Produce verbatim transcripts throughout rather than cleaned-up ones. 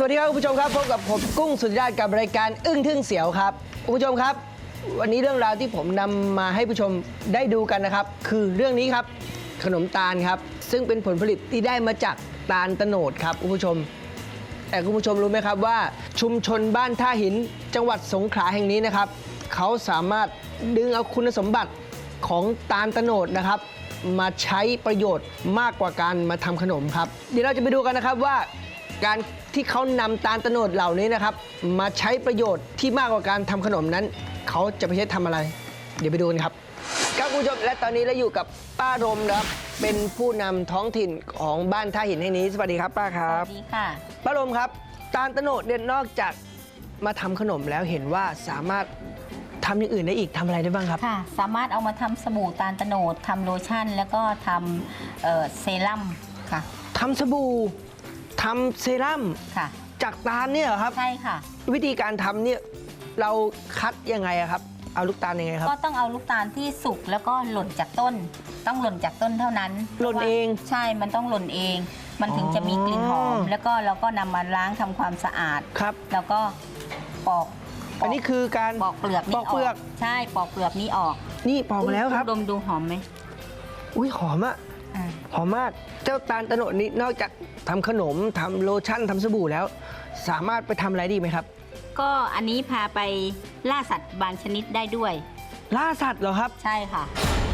วัสดีครับคุณผู้ชมครับพบกับผมกุ้งสุธิราชกับรายการอึ้งทึ่งเสียวครับคุณผู้ชมครับวันนี้เรื่องราวที่ผมนำมาให้ผู้ชมได้ดูกันนะครับคือเรื่องนี้ครับขนมตาลครับซึ่งเป็นผลผลิตที่ได้มาจากตาลโตนดครับคุณผู้ชมแต่คุณผู้ชมรู้ไหมครับว่าชุมชนบ้านท่าหินจังหวัดสงขลาแห่งนี้นะครับเขาสามารถดึงเอาคุณสมบัติของตาลโตนดนะครับมาใช้ประโยชน์มากกว่าการมาทำขนมครับเดี๋ยวเราจะไปดูกันนะครับว่าการที่เขานำตาลโตนดเหล่านี้นะครับมาใช้ประโยชน์ที่มากกว่าการทำขนมนั้นเขาจะไปใช้ทำอะไรเดี๋ยวไปดูกันครับครับคุณผู้ชมและตอนนี้เราอยู่กับป้ารมนะครับเป็นผู้นำท้องถิ่นของบ้านท่าหินแห่งนี้สวัสดีครับป้าครับสวัสดีค่ะป้ารมครับตาลโตนดเนี่ยนอกจากมาทำขนมแล้วเห็นว่าสามารถทำอย่างอื่นได้อีกทำอะไรได้บ้างครับค่ะสามารถเอามาทำสบู่ตาลโตนดทำโลชั่นแล้วก็ทำเอ่อเซรั่มค่ะทำสบู่ทำเซรั่มค่ะจากตาลเนี่ยเหรอครับใช่ค่ะวิธีการทำเนี่ยเราคัดยังไงอะครับเอาลูกตาลยังไงครับก็ต้องเอาลูกตาลที่สุกแล้วก็หล่นจากต้นต้องหล่นจากต้นเท่านั้นหล่นเองใช่มันต้องหล่นเองมันถึงจะมีกลิ่นหอมแล้วก็เราก็นำมาล้างทำความสะอาดครับแล้วก็ปอกอันนี้คือการปอกเปลือกปอกเปลือกใช่ปอกเปลือกนี้ออกนี่ปอกแล้วครับดมดูหอมไหมอุ้ยหอมอะหอมมากเจ้าตาลโตนดนี้นอกจากทำขนมทำโลชั่นทำสบู่แล้วสามารถไปทำอะไรดีไหมครับก็อันนี้พาไปล่าสัตว์บางชนิดได้ด้วยล่าสัตว์เหรอครับใช่ค่ะ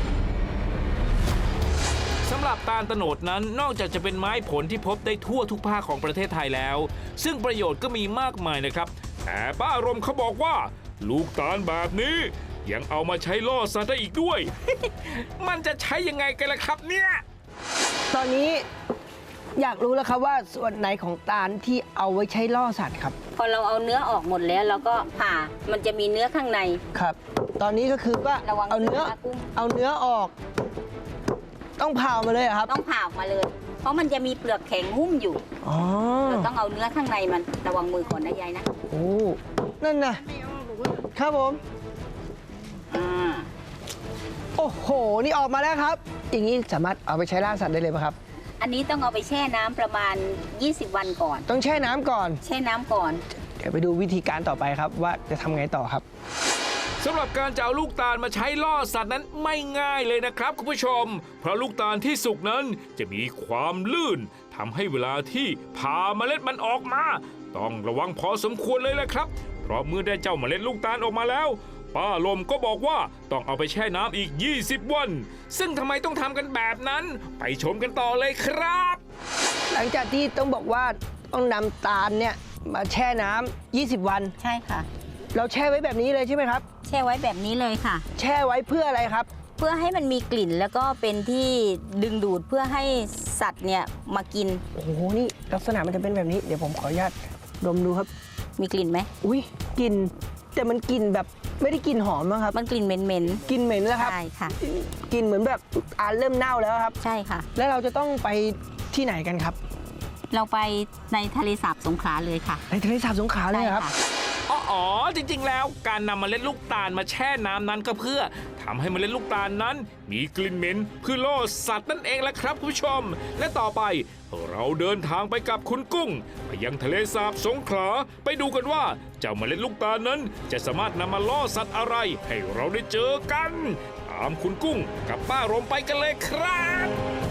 สำหรับตาลโตนดนั้นนอกจากจะเป็นไม้ผลที่พบได้ทั่วทุกภาคของประเทศไทยแล้วซึ่งประโยชน์ก็มีมากมายนะครับแต่ป้าอารมณ์เขาบอกว่าลูกตาลแบบนี้ยังเอามาใช้ล่อสัตว์ได้อีกด้วย มันจะใช้ยังไงกันล่ะครับเนี่ยตอนนี้อยากรู้แล้วครับว่าส่วนไหนของตาลที่เอาไว้ใช้ล่อสัตว์ครับพอเราเอาเนื้อออกหมดแล้วเราก็ผ่ามันจะมีเนื้อข้างในครับตอนนี้ก็คือว่าเอาเนื้อเอาเนื้อออกต้องผ่ามาเลยครับต้องผ่าออกมาเลยเพราะมันจะมีเปลือกแข็งหุ้มอยู่อ๋อเราต้องเอาเนื้อข้างในมันระวังมือก่อนนะยายนะโอ้นั่นนะครับผมอ่าโอ้โหนี่ออกมาแล้วครับอย่างนี้สามารถเอาไปใช้ล่าสัตว์ได้เลยไหมครับอันนี้ต้องเอาไปแช่น้ำประมาณยี่สิบวันก่อนต้องแช่น้ำก่อนแช่น้ำก่อนเดี๋ยวไปดูวิธีการต่อไปครับว่าจะทำไงต่อครับสำหรับการจะเอาลูกตาลมาใช้ล่อสัตว์นั้นไม่ง่ายเลยนะครับคุณผู้ชมเพราะลูกตาลที่สุกนั้นจะมีความลื่นทำให้เวลาที่ผ่าเมล็ดมันออกมาต้องระวังพอสมควรเลยแหละครับเพราะเมื่อได้เจ้าเมล็ดลูกตาลออกมาแล้วป้าลมก็บอกว่าต้องเอาไปแช่น้ำอีกยี่สิบวันซึ่งทำไมต้องทำกันแบบนั้นไปชมกันต่อเลยครับหลังจากที่ต้องบอกว่าต้องนำตาลเนี่ยมาแช่น้ำยี่สิบวันใช่ค่ะเราแช่ไว้แบบนี้เลยใช่ไหมครับแช่ไว้แบบนี้เลยค่ะแช่ไว้เพื่ออะไรครับเพื่อให้มันมีกลิ่นแล้วก็เป็นที่ดึงดูดเพื่อให้สัตว์เนี่ยมากินโอ้โหนี่ลักษณะมันจะเป็นแบบนี้เดี๋ยวผมขออนุญาตดมดูครับมีกลิ่นไหมอุ้ยกลิ่นแต่มันกลิ่นแบบไม่ได้กลิ่นหอมนะครับมันกลิ่นเหม็นเหม็นกลิ่นเหม็นแล้วครับใช่ค่ะกลิ่นเหมือนแบบอ่านเริ่มเน่าแล้วครับใช่ค่ะแล้วเราจะต้องไปที่ไหนกันครับเราไปในทะเลสาบสงขลาเลยค่ะในทะเลสาบสงขลาเลยครับอ๋อจริงๆแล้วการนำเมล็ดลูกตาลมาแช่น้ำนั้นก็เพื่อทำให้เมล็ดลูกตาลนั้นมีกลิ่นเหม็นเพื่อล่อสัตว์นั่นเองแหละครับคุณผู้ชมและต่อไปเราเดินทางไปกับคุณกุ้งไปยังทะเลสาบสงขลาไปดูกันว่าเจ้าเมล็ดลูกตาลนั้นจะสามารถนำมาล่อสัตว์อะไรให้เราได้เจอกันตามคุณกุ้งกับป้ารมไปกันเลยครับ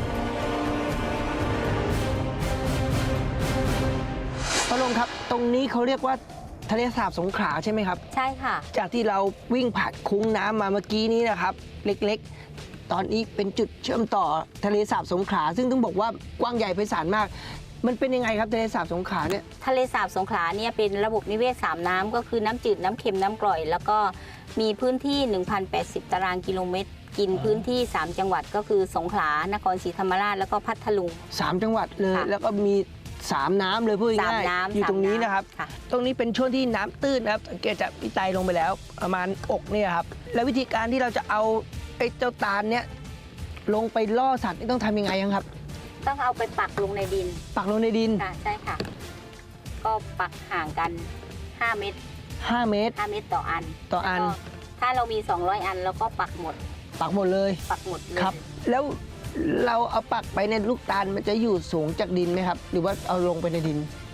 ป้ารมครับตรงนี้เขาเรียกว่าทะเลสาบสงขลาใช่ไหมครับใช่ค่ะจากที่เราวิ่งผ่านคุ้งน้ำมาเมื่อกี้นี้นะครับเล็กๆตอนนี้เป็นจุดเชื่อมต่อทะเลสาบสงขลาซึ่งต้องบอกว่ากว้างใหญ่ไพศาลมากมันเป็นยังไงครับทะเลสาบสงขลาเนี่ยทะเลสาบสงขลาเนี่ยเป็นระบบนิเวศสามน้ำก็คือน้ำจืดน้ำเค็มน้ำกร่อยแล้วก็มีพื้นที่ หนึ่งพันแปดสิบ ตารางกิโลเมตรกินพื้นที่สามจังหวัดก็คือสงขลานครศรีธรรมราชแล้วก็พัทลุงสามจังหวัดเลยแล้วก็มีสามน้ำเลยพูดง่ายๆอยู่ตรงนี้นะครับตรงนี้เป็นช่วงที่น้ำตื้นนะครับสังเกตจากพี่ไตลงไปแล้วประมาณอกเนี่ยครับแล้ววิธีการที่เราจะเอาไอ้เจ้าตาลเนี่ยลงไปล่อสัตว์นี่ต้องทำยังไงครับต้องเอาไปปักลงในดินปักลงในดินใช่ค่ะก็ปักห่างกันห้าเมตรห้าเมตรห้าเมตรต่ออันต่ออันถ้าเรามีสองร้อยอันเราก็ปักหมดปักหมดเลยปักหมดเลยครับแล้วเราเอาปักไปในลูกตาลมันจะอยู่สูงจากดินไหมครับหรือว่าเอาลงไปในดิน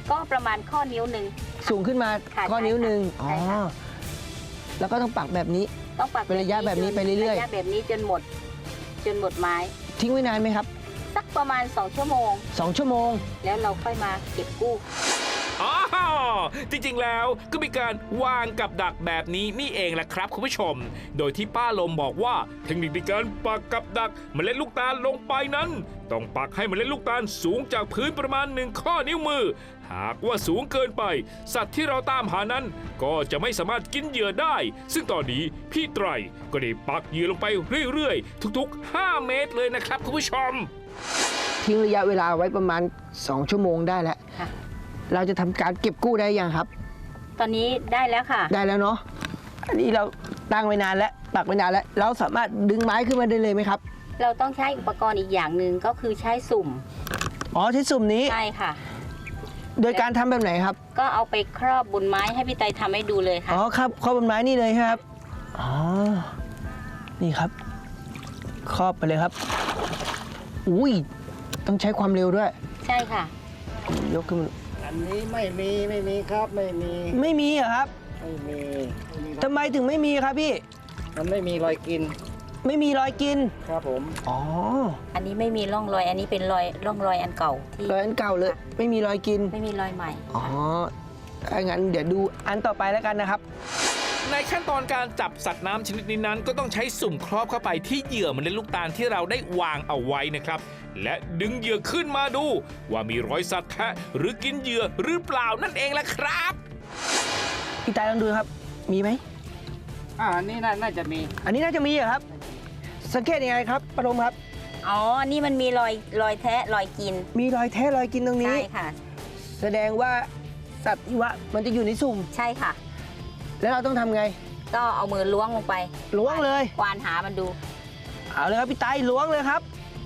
ก็ประมาณข้อนิ้วหนึ่งสูงขึ้นมาค่ะข้อนิ้วหนึ่งใช่ค่ะอ๋อแล้วก็ต้องปักแบบนี้ต้องปักเป็นระยะแบบนี้ไปเรื่อยๆระยะแบบนี้จนหมด จนหมดไม้ทิ้งไว้นานไหมครับสักประมาณสองชั่วโมงสองชั่วโมงแล้วเราค่อยมาเก็บกู้อ๋อจริงๆแล้วก็มีการวางกับดักแบบนี้นี่เองแหละครับคุณผู้ชม โดยที่ป้าลมบอกว่าเทคนิคในการปักกับดักเมล็ดลูกตาลลงไปนั้น ต้องปักให้เมล็ดลูกตาลสูงจากพื้นประมาณหนึ่งข้อนิ้วมือ หากว่าสูงเกินไป สัตว์ที่เราตามหานั้น ก็จะไม่สามารถกินเหยื่อได้ ซึ่งตอนนี้พี่ไตรก็ได้ปักเหยื่อลงไปเรื่อยๆทุกๆห้าเมตรเลยนะครับคุณผู้ชมทิ้งระยะเวลาไว้ประมาณสองชั่วโมงได้แล้วค่ะเราจะทำการเก็บกู้ได้ยังครับตอนนี้ได้แล้วค่ะได้แล้วเนาะ อันนี้เราตั้งไว้นานแล้ว ปักไว้นานแล้ว เราสามารถดึงไม้ขึ้นมาได้เลยไหมครับเราต้องใช้อุปกรณ์อีกอย่างหนึ่งก็คือใช้สุ่มอ๋อใช้สุ่มนี้ใช่ค่ะโดยการทำแบบไหนครับก็เอาไปครอบบนไม้ให้พี่ไตทำให้ดูเลยค่ะอ๋อครับครอบบนไม้นี่เลยใช่ไหมครับ อ๋อ นี่ครับ ครอบไปเลยครับ อุ้ย ต้องใช้ความเร็วด้วยใช่ค่ะยกขึ้นมาอันนี้ไม่มีไม่มีครับไม่มีไม่มีเหรอครับไม่มีไม่มีครับทำไมถึงไม่มีครับพี่มันไม่มีรอยกินไม่มีรอยกินครับผมอ๋ออันนี้ไม่มีร่องรอย อันนี้เป็นรอยร่องรอยอันเก่าที่รอยอันเก่าเลย ไม่มีรอยกินไม่มีรอยใหม่อ๋อถ้างั้นเดี๋ยวดูอันต่อไปแล้วกันนะครับในขั้นตอนการจับสัตว์น้ำชนิดนี้นั้นก็ต้องใช้สุ่มครอบเข้าไปที่เหยื่อเมล็ดลูกตาลที่เราได้วางเอาไว้นะครับ และดึงเหยื่อขึ้นมาดู ว่ามีรอยสัตว์แทะหรือกินเหยื่อหรือเปล่านั่นเองแหละครับพี่ตายลองดูครับ มีไหมอ่าอันนี้น่าน่าจะมีอันนี้น่าจะมีเหรอครับ สังเกตยังไงครับปฐมครับอ๋อ นี่มันมีรอยรอยแทะรอยกินมีรอยแท้รอยกินตรงนี้ใช่ค่ะแสดงว่าสัตว์ที่ว่ามันจะอยู่ในสุ่มใช่ค่ะแล้วเราต้องทำไงก็เอามือล้วงลงไปล้วงเลยควานหามันดูเอาเลยครับพี่ตายล้วงเลยครับ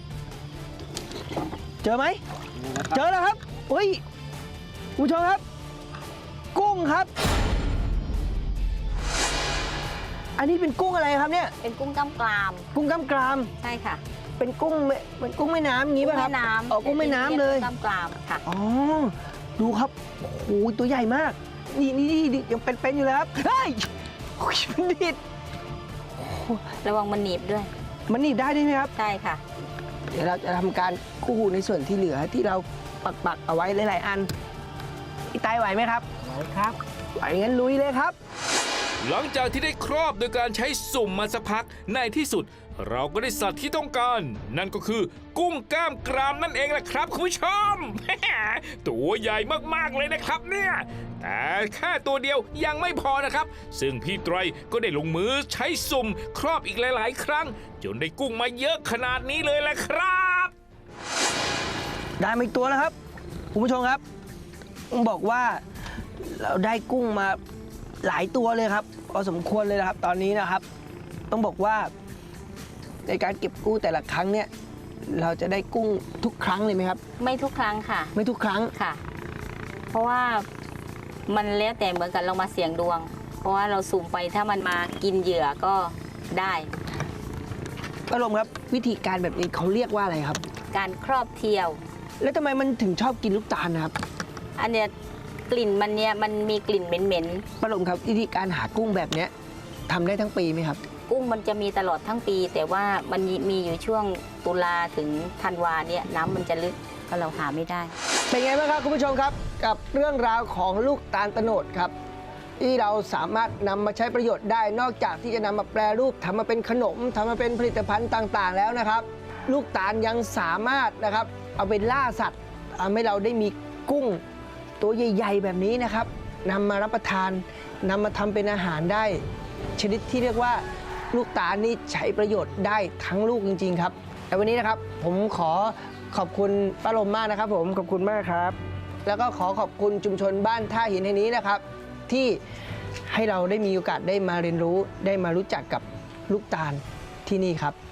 เจอไหม เจอแล้วครับอุ้ยคุณผู้ชมครับ กุ้งครับ อันนี้เป็นกุ้งอะไรครับเนี่ยเป็นกุ้งกล้ามกรามกุ้งกล้ามกรามใช่ค่ะเป็นกุ้งแม่เป็นกุ้งแม่น้ำอย่างนี้ป่ะครับแม่น้ำอ๋อกุ้งแม่น้ำเลยกล้ามกรามค่ะอ๋อ ดูครับ โอ้โห ตัวใหญ่มาก นี่นี่นี่ยังเป็นๆอยู่เลยครับ เฮ้ยโอ้ยมันดิดระวังมันหนีบด้วยมันหนีบได้ด้วยไหมครับใช่ค่ะเดี๋ยวเราจะทำการกู้ในส่วนที่เหลือที่เราปักปักๆเอาไว้หลายๆอันพี่ตายไหวไหมครับไหนครับไหวงั้นลุยเลยครับหลังจากที่ได้ครอบโดยการใช้สุ่มมาสักพักในที่สุด เราก็ได้สัตว์ที่ต้องการ นั่นก็คือกุ้งกล้ามกรามนั่นเองแหละครับคุณผู้ชม ตัวใหญ่มากๆเลยนะครับเนี่ยแต่แค่ตัวเดียวยังไม่พอนะครับ ซึ่งพี่ไตรก็ได้ลงมือใช้สุ่มครอบอีกหลาย ๆ ครั้ง จนได้กุ้งมาเยอะขนาดนี้เลยแหละครับได้มาอีกตัวแล้วครับคุณผู้ชมครับต้องบอกว่าเราได้กุ้งมาหลายตัวเลยครับพอสมควรเลยนะครับ ตอนนี้นะครับ ต้องบอกว่าในการเก็บกู้แต่ละครั้งเนี่ยเราจะได้กุ้งทุกครั้งเลยไหมครับไม่ทุกครั้งค่ะไม่ทุกครั้งค่ะ เพราะว่ามันแล้วแต่เหมือนกันเรามาเสี่ยงดวง เพราะว่าเราสุ่มไปถ้ามันมากินเหยื่อก็ได้ป้าลมครับวิธีการแบบนี้เขาเรียกว่าอะไรครับการครอบเที่ยวแล้วทำไมมันถึงชอบกินลูกตาลนะครับอันเนี้ยกลิ่นมันเนี้ยมันมีกลิ่นเหม็นป้าลมครับวิธีการหากุ้งแบบเนี้ยทำได้ทั้งปีไหมครับๆกุ้งมันจะมีตลอดทั้งปี แต่ว่ามันมีอยู่ช่วงตุลาถึงธันวาเนี่ยน้ำมันจะลึกก็เราหาไม่ได้เป็นไงบ้างครับคุณผู้ชมครับกับเรื่องราวของลูกตาลโตนดครับ ที่เราสามารถนำมาใช้ประโยชน์ได้นอกจากที่จะนำมาแปรรูปทำมาเป็นขนมทำมาเป็นผลิตภัณฑ์ต่างๆ แล้วนะครับ ลูกตาลยังสามารถนะครับเอาไปล่าสัตว์ทำให้เราได้มีกุ้งตัวใหญ่ ๆ แบบนี้นะครับนำมารับประทานนำมาทำเป็นอาหารได้ ชนิดที่เรียกว่าลูกตาลนี่ใช้ประโยชน์ได้ทั้งลูกจริง ๆ ครับแต่วันนี้นะครับผมขอขอบคุณป้าลมมากนะครับ ผมขอบคุณมากครับ แล้วก็ขอขอบคุณชุมชนบ้านท่าหินแห่งนี้นะครับ ที่ให้เราได้มีโอกาสได้มาเรียนรู้ได้มารู้จักกับลูกตาลที่นี่ครับ